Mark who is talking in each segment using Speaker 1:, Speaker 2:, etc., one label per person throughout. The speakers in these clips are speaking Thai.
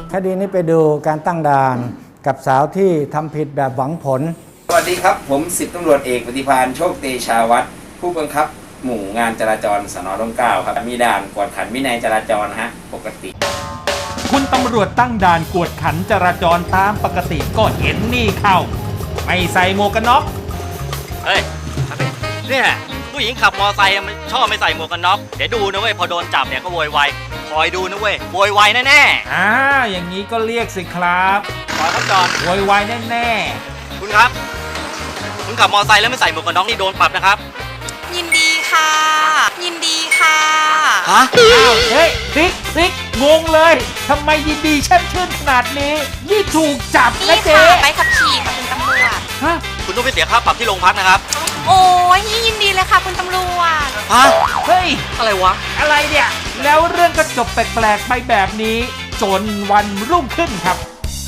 Speaker 1: คดีนี้ไปดูการตั้งด่านกับสาวที่ทำผิดแบบหวังผล
Speaker 2: สวัสดีครับผม10ตำรวจเอกปฏิภาณโชคเตชาวัฒน์ผู้บังคับหมู่งานจราจรสน.ร่มเกล้าครับมีด่านกวดขันวินัยจราจรฮะปกติ
Speaker 3: คุณตำรวจตั้งด่านกวดขันจราจรตามปกติก็เห็นนี่เข้าไม่ใส่หมวกกันน็อก
Speaker 4: เฮ้ยเนี่ยผู้หญิงขับมอไซค์มันชอบไม่ใส่หมวกกันน็อกเดี๋ยวดูนะเว้ยพอโดนจับเนี่ยก็โวยวายคอยดูนะเว้ยโวยวายแน่
Speaker 3: ๆอย่างนี้ก็เรียกสิครับ
Speaker 4: ขอครับจอน
Speaker 3: โวยวายแน่
Speaker 4: ๆคุณครับคุณขับมอไซค์แล้วไม่ใส่หมวกกันน็อกนี่โดนปรับนะครับ
Speaker 5: ยินดีค่ะยินดีค่ะ
Speaker 4: ฮะ
Speaker 3: เฮ้ยติ๊กงงเลยทำไมยินดีแช่มชื่นขนาดนี้นี่ถูกจับนะเจ๊
Speaker 5: ไปขับขี่ค่ะคุณตำรวจ
Speaker 3: ฮะ
Speaker 4: คุณต้องไปเสียค่าปรับที่โรงพักนะครับ
Speaker 5: โอ้ยยินดีเลยค่ะคุณตำรวจ
Speaker 4: ฮะ
Speaker 3: เฮ้ย
Speaker 4: อะไรวะ
Speaker 3: อะไรเนี่ยแล้วเรื่องก็จบแปลกๆไปแบบนี้จนวันรุ่งขึ้นครับ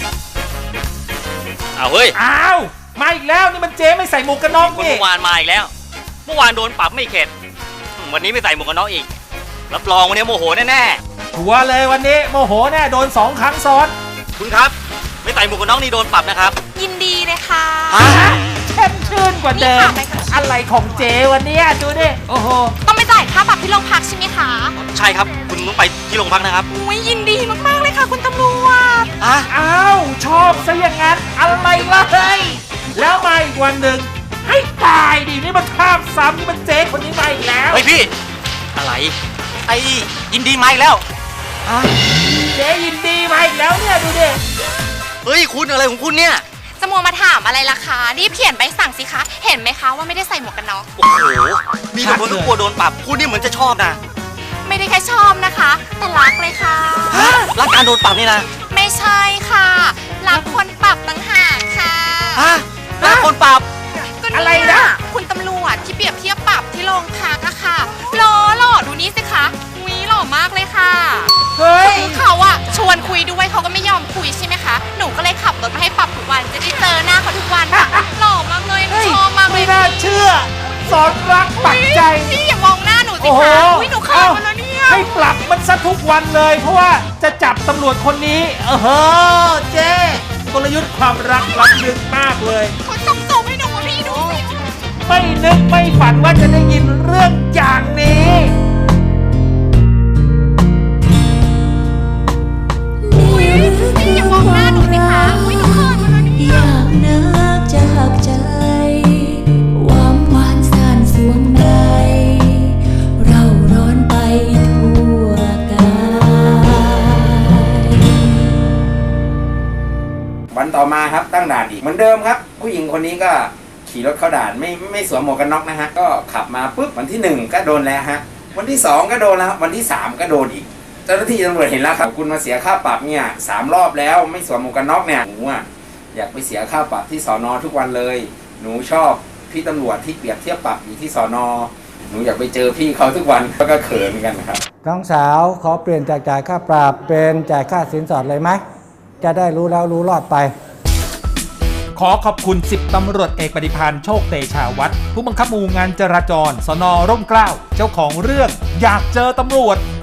Speaker 4: เฮ้ย
Speaker 3: มาอีกแล้วนี่มันเจ๊ไม่ใส่หมวกกันน็อกนี่
Speaker 4: เมื่อวานมาอีกแล้วเมื่อวานโดนปรับไม่เข็ดวันนี้ไม่ใส่หมวกกันน็อกอีกรับรองวันนี้โมโหแน่
Speaker 3: ๆชัวร์เลยวันนี้โมโหแน่โดน2 ครั้งซ้อน
Speaker 4: คุณครับไม่ใส่หมวกกันน็อกนี่โดนปรับนะครับ
Speaker 5: ยินดีเลยค่ะ
Speaker 3: แช่มชื่นกว่าเดิมอะไรของเจ๊วันนี้ดูดิโอ้โห
Speaker 5: ต้องไปจ่ายค่าปรับที่โรงพักใช่ไหมคะ
Speaker 4: ใช่ครับคุณต้องไปที่โรงพักนะครับ
Speaker 5: อุ้ยยินดีมากๆเลยค่ะคุณตำรวจ
Speaker 3: ชอบซะอย่างนั้นอะไรล่ะเฮ้ยแล้วมาอีกวันหนึ่งให้ตายดินี่มันข้ามซ้ำนี่มันเจ๊คนนี้มาอีกแล้ว
Speaker 4: เฮ้ยพี่อะไรไอ้ยินดีมาอีกแล้ว
Speaker 3: เจ๊ยินดีมาอีกแล้วเนี่ยดูดิ
Speaker 4: เฮ้ยคุณอะไรของคุณเนี่ย
Speaker 5: จะมัวมาถามอะไรล่ะคะรีบเขียนใบสั่งสิคะเห็นไหมคะว่าไม่ได้ใส่หมวกกันน็อก
Speaker 4: โอ้โหมีแต่คนกลัวโดนปรับคุณนี่เหมือนจะชอบนะ
Speaker 5: ไม่ได้แค่ชอบนะคะแต่รักเลยค่ะ
Speaker 4: รักการโดนปรับนี่นะ
Speaker 5: ไม่ใช่ค่ะรักคนปรับต่างหากค่ะ
Speaker 4: รักคนปรับ
Speaker 3: อะไรนะ
Speaker 5: คุณตำรวจที่เปรียบเทียบปรับที่โรงพักอะค่ะหล่อดูนี่สิคะหล่อมากเลยค่ะ
Speaker 3: เฮ้ย
Speaker 5: เขาอะชวนคุยด้วยเขาก็ไม่ยอมคุยใช่ไหมคะหนูก็เลยขับรถมาให้ปรับทุกวันจะได้เจอหน้าเขาทุกวันหล่อมากเลยชอบมากเลย
Speaker 3: ไม่น่าเชื่อสอนรักปักใจ
Speaker 5: พี่อย่ามองหน้าหนูสิคะหนูเขินมาแล้วเนี่ย
Speaker 3: ให้ปรับมันซะทุกวันเลยเพราะว่าจะจับตำรวจคนนี้เจ๊กลยุทธ์ความรักล้ำลึกมากเลย
Speaker 5: เขาส่งตัวให้หนูพี่ดู
Speaker 3: ไม่นึกไม่ฝันว่าจะได้ยินเรื่องอย่างนี้
Speaker 5: อย่ามองหน้าหนูสิคะหนูเขินมาแล้วเนี่ย
Speaker 6: อยากนักจากใจความหวานซ่านสวงในเราร้อนไปทั่วกาย
Speaker 2: วันต่อมาครับตั้งด่านอีกเหมือนเดิมครับผู้หญิงคนนี้ก็ขี่รถเข้าด่านไม่สวมหมวกกันน็อกนะฮะก็ขับมาปุ๊บวันที่1ก็โดนแล้วฮะวันที่2ก็โดนแล้ววันที่3ก็โดนอีกเจ้าหน้าที่ตำรวจเห็นแล้วครับคุณมาเสียค่าปรับเนี่ย3 รอบแล้วไม่สวมหมวกกันน็อกเนี่ยหนูอยากไปเสียค่าปรับที่สน.ทุกวันเลยหนูชอบพี่ตำรวจที่เปรียบเทียบปรับอยู่ที่สน.หนูอยากไปเจอพี่เขาทุกวันก็เขินกันครับ
Speaker 1: น้องสาวขอเปลี่ยนจากจ่ายค่าปรับเป็นจ่ายค่าสินสอดเลยไหมจะได้รู้แล้วรู้รอดไป
Speaker 3: ขอขอบคุณ10ตำรวจเอกปฏิภาณโชคเตชาวัฒน์ผู้บังคับหมู่งานจราจรสน.ร่มเกล้าเจ้าของเรื่องอยากเจอตำรวจ